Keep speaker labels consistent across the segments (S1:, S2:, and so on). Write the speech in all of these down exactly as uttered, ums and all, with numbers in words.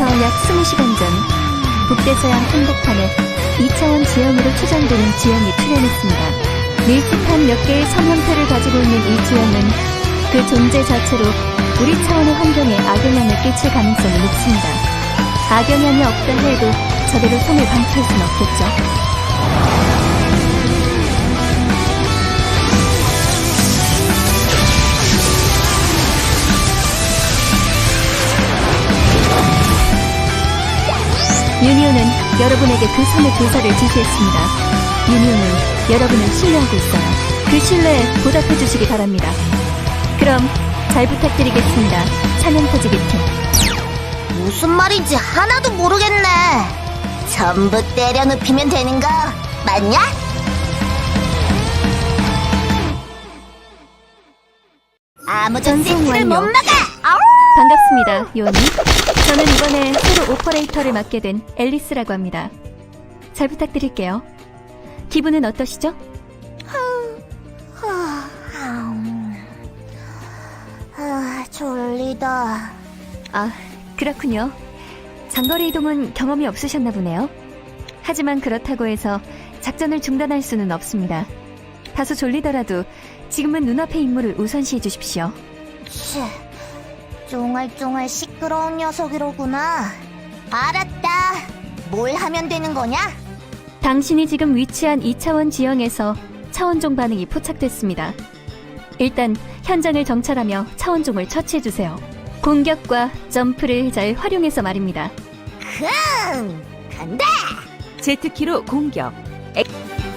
S1: 지금으로부터 약 스무 시간 전 북대서양 한복판에 이 차원 지형으로 추정되는 지형이 출현했습니다. 밀집한 몇 개의 선 형태를 가지고 있는 이 지형은 그 존재 자체로 우리 차원의 환경에 악영향을 끼칠 가능성이 높습니다. 악영향이 없다 해도 저대로 손을 방치할 수는 없겠죠. 유니온은 여러분에게 그 섬의 교사를 지시했습니다. 유니온은 여러분을 신뢰하고 있어요. 그 신뢰에 보답해 주시기 바랍니다. 그럼 잘 부탁드리겠습니다. 사냥터지기 팀.
S2: 무슨 말인지 하나도 모르겠네. 전부 때려 눕히면 되는 거 맞냐? 아무도
S1: 전송
S2: 세트를 못
S1: 완료.
S2: 막아! 아우!
S1: 반갑습니다, 요원님. 저는 이번에 새로 오퍼레이터를 맡게 된 앨리스라고 합니다. 잘 부탁드릴게요. 기분은 어떠시죠?
S2: 아, 졸리다.
S1: 아, 그렇군요. 장거리 이동은 경험이 없으셨나 보네요. 하지만 그렇다고 해서 작전을 중단할 수는 없습니다. 다소 졸리더라도 지금은 눈앞의 임무를 우선시해 주십시오.
S2: 치, 쫑알쫑알 시끄러운 녀석이로구나. 알았다. 뭘 하면 되는 거냐?
S1: 당신이 지금 위치한 이 차원 지형에서 차원종 반응이 포착됐습니다. 일단 현장을 정찰하며 차원종을 처치해주세요. 공격과 점프를 잘 활용해서 말입니다.
S2: 흠! 간다!
S3: 제트키로 공격. 액...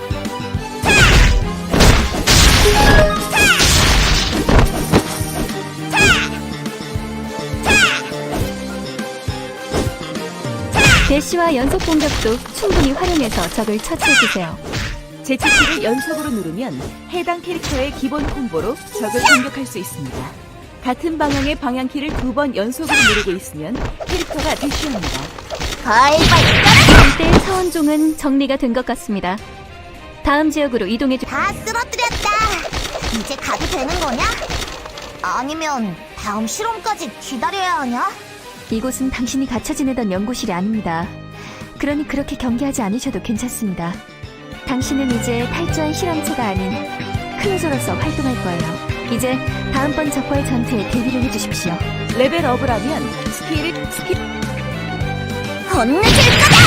S1: 대시와 연속 공격도 충분히 활용해서 적을 처치해주세요.
S3: 제트키를 연속으로 누르면 해당 캐릭터의 기본 콤보로 적을 공격할 수 있습니다. 같은 방향의 방향키를 두 번 연속으로 누르고 있으면 캐릭터가 대시합니다.
S2: 가위바위보!
S1: 이때 차원종은 정리가 된 것 같습니다. 다음 지역으로 이동해주...
S2: 다 쓰러뜨렸다. 이제 가도 되는 거냐? 아니면 다음 실험까지 기다려야 하냐?
S1: 이곳은 당신이 갇혀 지내던 연구실이 아닙니다. 그러니 그렇게 경계하지 않으셔도 괜찮습니다. 당신은 이제 탈주한 실험체가 아닌 클로저로서 활동할 거예요. 이제 다음번 적과의 전투에 대비를 해주십시오.
S3: 레벨업을 하면 스킬을 스킬
S2: 건네줄 거다!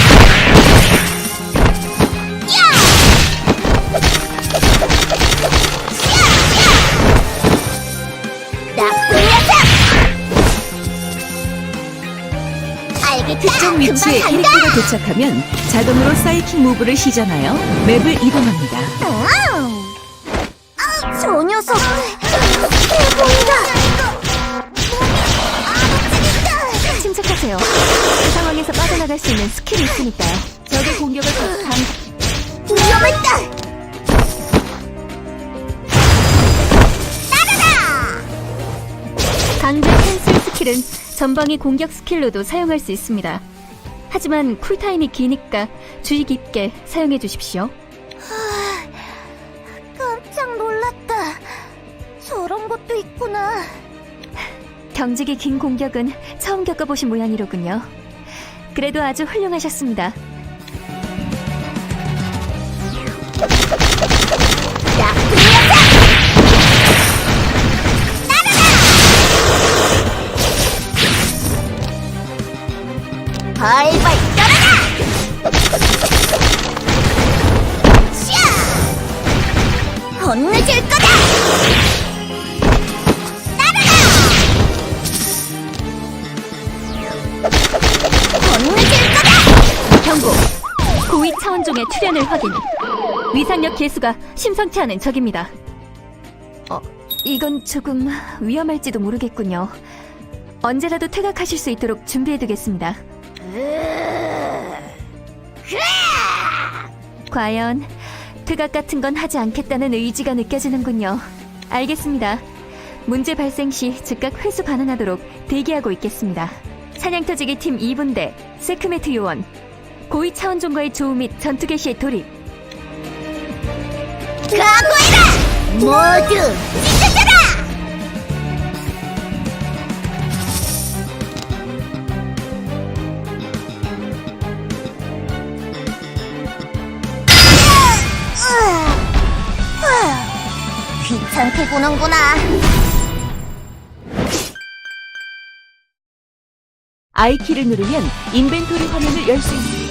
S2: 나쁜 녀석! 알겠다!
S3: 특정 위치에
S2: 금방 간다!
S3: 캐릭터가 도착하면 자동으로 사이킥 무브를 시전하여 맵을 이동합니다.
S2: 아우! 아우, 저 녀석! 대보인다!
S1: 침착하세요. 그 상황에서 빠져나갈 수 있는 스킬이 있으니까요.
S3: 적의 공격을 방...
S2: 위험했다! 따라라!
S1: 강제 캔슬 스킬은 전방위 공격 스킬로도 사용할 수 있습니다. 하지만 쿨타임이 기니까 주의 깊게 사용해 주십시오.
S2: 깜짝 놀랐다. 저런 것도 있구나.
S1: 경직이 긴 공격은 처음 겪어보신 모양이로군요. 그래도 아주 훌륭하셨습니다.
S2: 나쁜 녀석! 따라라! 발발 따라라! 샤! 혼내줄 거다! 혼내줄 거다!
S1: 경고! 고위 차원종의 출현을 확인. 위상력 개수가 심상치 않은 적입니다. 어, 이건 조금 위험할지도 모르겠군요. 언제라도 퇴각하실 수 있도록 준비해두겠습니다. 과연 퇴각 같은 건 하지 않겠다는 의지가 느껴지는군요. 알겠습니다. 문제 발생 시 즉각 회수 반응하도록 대기하고 있겠습니다. 사냥터지기 팀 이 분대 세크메트 요원, 고위 차원종과의 조우 및 전투 개시에 돌입.
S2: 각오해라! 모두 찢어져라! 귀찮게 구는구나.
S3: I키를 누르면 인벤토리 화면을 열 수 있습니다.